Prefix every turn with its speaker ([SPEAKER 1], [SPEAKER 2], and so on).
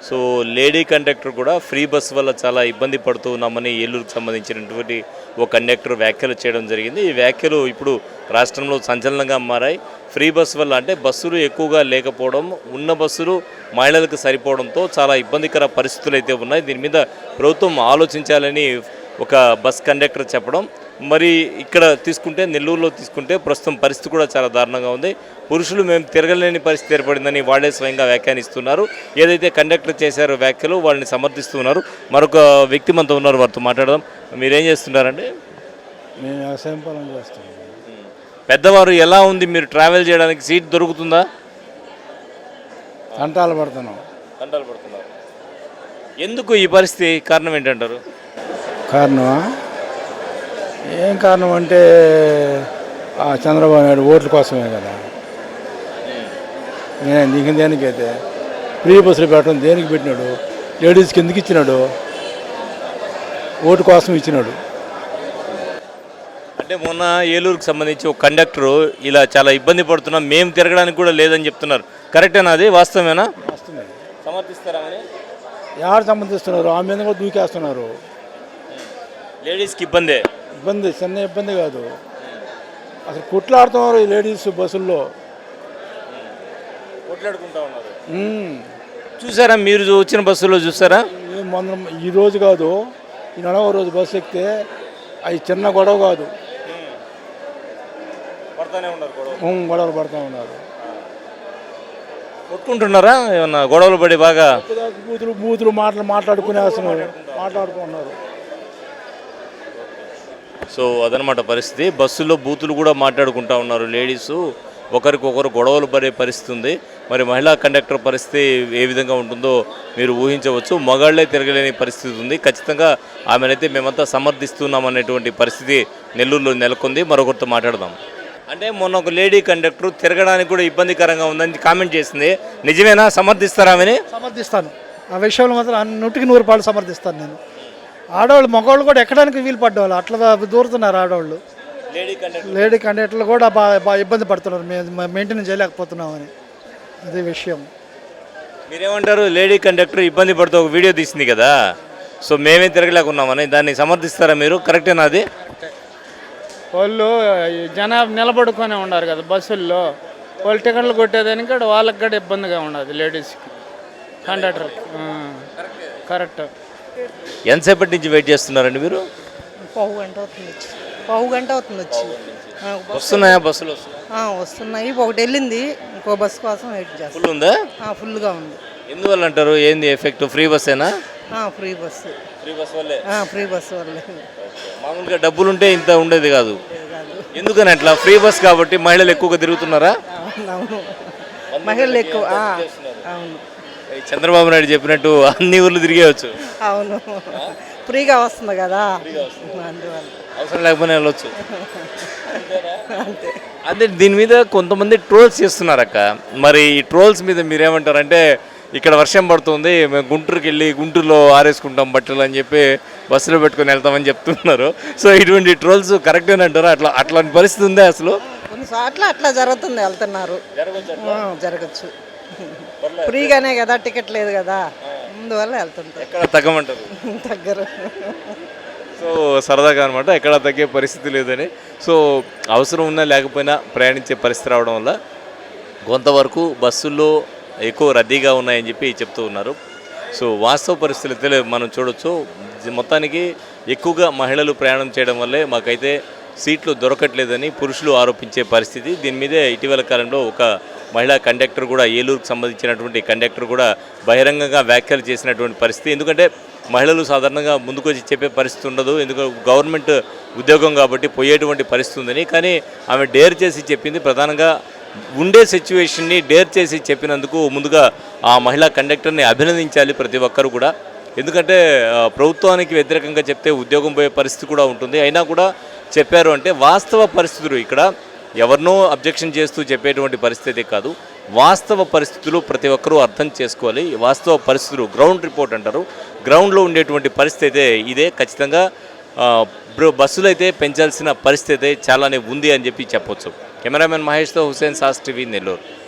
[SPEAKER 1] So lady conductor కూడా free bus వల్ల చాలా ఇబ్బంది పడుతూ ఉన్నామని ఏలూరుకు సంబంధించినటువంటి ఓ కండక్టర్ వ్యాఖ్యలు చేయడం జరిగింది. ఈ వ్యాఖ్యలు ఇప్పుడు రాష్ట్రంలో సంచలనంగా మారాయి. ఫ్రీ బస్ వల్ల అంటే బస్సులు ఎక్కువగా లేకపోవడం, ఉన్న బస్సులు మహిళలకు సరిపోవడంతో చాలా ఇబ్బందికర పరిస్థితులు అయితే ఉన్నాయి. దీని మీద ప్రభుత్వం ఆలోచించాలని ఒక బస్ కండక్టర్ చెప్పడం. మరి ఇక్కడ తీసుకుంటే నెల్లూరులో తీసుకుంటే ప్రస్తుతం పరిస్థితి కూడా చాలా దారుణంగా ఉంది. పురుషులు మేము తిరగలేని పరిస్థితి ఏర్పడిందని వాళ్ళే స్వయంగా వ్యాఖ్యానిస్తున్నారు. ఏదైతే కండక్టర్ చేశారో వ్యాఖ్యలు వాళ్ళని సమర్థిస్తున్నారు. మరొక వ్యక్తి మనతో ఉన్నారు, వారితో మాట్లాడదాం. మీరేం చేస్తున్నారండి?
[SPEAKER 2] మేము వ్యవసాయం పొలం చేస్తాం.
[SPEAKER 1] పెద్దవారు ఎలా ఉంది, మీరు ట్రావెల్ చేయడానికి సీట్ దొరుకుతుందా?
[SPEAKER 2] తంటాలు పడుతున్నాం.
[SPEAKER 1] తంటాలు పడుతున్నారు. ఎందుకు ఈ పరిస్థితి? కారణం ఏంటంటారు?
[SPEAKER 2] కారణమా? ఏం కారణం అంటే చంద్రబాబు నాయుడు ఓట్ల కోసమే కదా. నీకు దేనికైతే ఫ్రీ బస్సులు పెట్టడం దేనికి పెట్టినాడు? లేడీస్కి ఎందుకు ఇచ్చినాడు? ఓటు కోసం ఇచ్చినాడు.
[SPEAKER 1] అంటే మొన్న ఏలూరుకు సంబంధించి ఒక కండక్టరు ఇలా చాలా ఇబ్బంది పడుతున్నాం, మేము తిరగడానికి కూడా లేదని చెప్తున్నారు. కరెక్టేనా? అది వాస్తవమేనా?
[SPEAKER 2] వస్తుంది.
[SPEAKER 1] సమర్థిస్తారా?
[SPEAKER 2] ఎవరు సమర్థిస్తున్నారు? ఆ మీద కూడా దూకేస్తున్నారు.
[SPEAKER 1] లేడీస్కి ఇబ్బంది
[SPEAKER 2] చిన్న ఇబ్బంది కాదు, అసలు కొట్లాడుతున్నారు ఈ లేడీస్ బస్సుల్లో.
[SPEAKER 1] కొట్లాడుకుంటా ఉన్నారు. చూసారా? మీరు వచ్చిన బస్సులో చూసారా?
[SPEAKER 2] మొన్న ఈ రోజు కాదు, ఈ 4వ రోజు బస్సు ఎక్కితే అవి చిన్న గొడవ కాదు, గొడవలు పడుతూ ఉన్నారు.
[SPEAKER 1] కొట్టుకుంటున్నారా? ఏమన్నా గొడవలు పడి బాగా
[SPEAKER 2] బూతులు మాట్లాడుకున్నారు.
[SPEAKER 1] సో అదనమాట పరిస్థితి. బస్సులో బూతులు కూడా మాట్లాడుకుంటా ఉన్నారు లేడీసు. ఒకరికొకరు గొడవలు పడే పరిస్థితి ఉంది. మరి మహిళా కండక్టర్ పరిస్థితి ఏ విధంగా ఉంటుందో మీరు ఊహించవచ్చు. మగాళ్లే తిరగలేని పరిస్థితి ఉంది. ఖచ్చితంగా ఆమెనైతే మేమంతా సమర్థిస్తున్నాం అనేటువంటి పరిస్థితి నెల్లూరులో నెలకొంది. మరొకరితో మాట్లాడదాం. అంటే మొన్న ఒక లేడీ కండక్టర్ తిరగడానికి కూడా ఇబ్బందికరంగా ఉందని కామెంట్ చేసింది. నిజమేనా? సమర్థిస్తారా? ఆమెని
[SPEAKER 3] సమర్థిస్తాను. ఆ విషయంలో మాత్రం 100% సమర్థిస్తాను నేను. ఆడవాళ్ళు మగవాళ్ళు కూడా ఎక్కడానికి వీలు పడ్డవాళ్ళు అట్లా దూరుతున్నారు. ఆడవాళ్ళు లేడీ కండక్టర్లు కూడా బాగా ఇబ్బంది పడుతున్నారు. మేము మెయింటైన్ చేయలేకపోతున్నామని అదే విషయం.
[SPEAKER 1] మీరేమంటారు? లేడీ కండక్టర్ ఇబ్బంది పడుతూ ఒక వీడియో తీసింది కదా, సో మేమే తిరగలేకున్నామని, దాన్ని సమర్థిస్తారా మీరు? కరెక్టేనా? అది
[SPEAKER 4] వాళ్ళు జనాభా నిలబడుకొని ఉన్నారు కదా బస్సుల్లో, వాళ్ళు టికెట్లు కొట్టేదానికి కూడా వాళ్ళకి కూడా ఇబ్బందిగా ఉండదు లేడీస్కి, కండక్టర్కి. కరెక్ట్.
[SPEAKER 1] ఎంతసేపటి నుంచి వెయిట్ చేస్తున్నారండి మీరు?
[SPEAKER 5] పావు గంట అవుతుంది వచ్చి.
[SPEAKER 1] వస్తున్నాయా బస్సులు?
[SPEAKER 5] వస్తున్నాయి. ఒకటి వెళ్ళింది, ఇంకో బస్సు కోసం వెయిట్ చేస్తాం.
[SPEAKER 1] ఫుల్ ఉందా?
[SPEAKER 5] ఫుల్గా ఉంది.
[SPEAKER 1] ఎందువల్ల అంటారు? ఏంది ఎఫెక్ట్? ఫ్రీ బస్సేనా?
[SPEAKER 5] Free bus.
[SPEAKER 1] ఫ్రీ బస్ వల్లే.
[SPEAKER 5] ఫ్రీ బస్సు వల్లే.
[SPEAKER 1] మామూలుగా డబ్బులు ఉంటే ఇంత ఉండేది కాదు. ఎందుకని అట్లా? ఫ్రీ బస్ కాబట్టి మహిళలు ఎక్కువగా తిరుగుతున్నారా?
[SPEAKER 5] అవును, మహిళలు ఎక్కువ. అవును,
[SPEAKER 1] చంద్రబాబు నాయుడు చెప్పినట్టు అన్ని ఊర్లు తిరిగేయచ్చు.
[SPEAKER 5] అవును, ఫ్రీగా వస్తుంది కదా, అందువల్ల
[SPEAKER 1] అవసరం లేకపోయినా వెళ్ళొచ్చు. అదే దీని మీద కొంతమంది ట్రోల్స్ చేస్తున్నారు అక్క. మరి ఈ ట్రోల్స్ మీద మీరేమంటారంటే, ఇక్కడ వర్షం పడుతుంది, మేము గుంటూరుకి వెళ్ళి గుంటూరులో ఆరేసుకుంటాం బట్టలు అని చెప్పి బస్సులో పెట్టుకొని వెళ్తామని చెప్తున్నారు. సో ఇటువంటి ట్రోల్స్ కరెక్టేనంటారా? అట్లాంటి పరిస్థితి ఉందా అసలు?
[SPEAKER 5] కొన్నిసార్లు అట్లా జరుగుతుంది, వెళ్తున్నారు. జరగచ్చు. ఫ్రీగానే కదా, టికెట్ లేదు కదా, అందువల్ల వెళ్తుంటారు.
[SPEAKER 1] ఎక్కడ తగ్గమంటారు?
[SPEAKER 5] తగ్గరు.
[SPEAKER 1] సో సరదాగా అనమాట, ఎక్కడ తగ్గే పరిస్థితి లేదని. సో అవసరం ఉన్నా లేకపోయినా ప్రయాణించే పరిస్థితి రావడం వల్ల కొంతవరకు బస్సుల్లో ఎక్కువ రద్దీగా ఉన్నాయని చెప్పి చెప్తూ ఉన్నారు. సో వాస్తవ పరిస్థితులు అయితే మనం చూడొచ్చు. మొత్తానికి ఎక్కువగా మహిళలు ప్రయాణం చేయడం వల్లే మాకైతే సీట్లు దొరకట్లేదని పురుషులు ఆరోపించే పరిస్థితి. దీని మీదే ఇటీవల కాలంలో ఒక మహిళా కండక్టర్ కూడా, ఏలూరుకు సంబంధించినటువంటి కండక్టర్ కూడా బహిరంగంగా వ్యాఖ్యలు చేసినటువంటి పరిస్థితి. ఎందుకంటే మహిళలు సాధారణంగా ముందుకు వచ్చి చెప్పే పరిస్థితి ఉండదు, ఎందుకంటే గవర్నమెంట్ ఉద్యోగం కాబట్టి పోయేటువంటి పరిస్థితి ఉందని. కానీ ఆమె డేర్ చేసి చెప్పింది. ప్రధానంగా ఉండే సిచ్యువేషన్ని డేర్ చేసి చెప్పినందుకు ముందుగా ఆ మహిళా కండక్టర్ని అభినందించాలి ప్రతి ఒక్కరు కూడా. ఎందుకంటే ప్రభుత్వానికి వ్యతిరేకంగా చెప్తే ఉద్యోగం పోయే పరిస్థితి కూడా ఉంటుంది. అయినా కూడా చెప్పారు అంటే వాస్తవ పరిస్థితులు, ఇక్కడ ఎవరినో అబ్జెక్షన్ చేస్తూ చెప్పేటువంటి పరిస్థితి కాదు, వాస్తవ పరిస్థితులు ప్రతి ఒక్కరూ అర్థం చేసుకోవాలి. వాస్తవ పరిస్థితులు, గ్రౌండ్ రిపోర్ట్ అంటారు, గ్రౌండ్లో ఉండేటువంటి పరిస్థితి అయితే ఇదే. ఖచ్చితంగా బస్సులు అయితే పెంచాల్సిన పరిస్థితి అయితే చాలానే ఉంది అని చెప్పి చెప్పొచ్చు. కెమెరామెన్ మహేష్తో హుసేన్ సాస్ టీవీ, నెల్లూరు.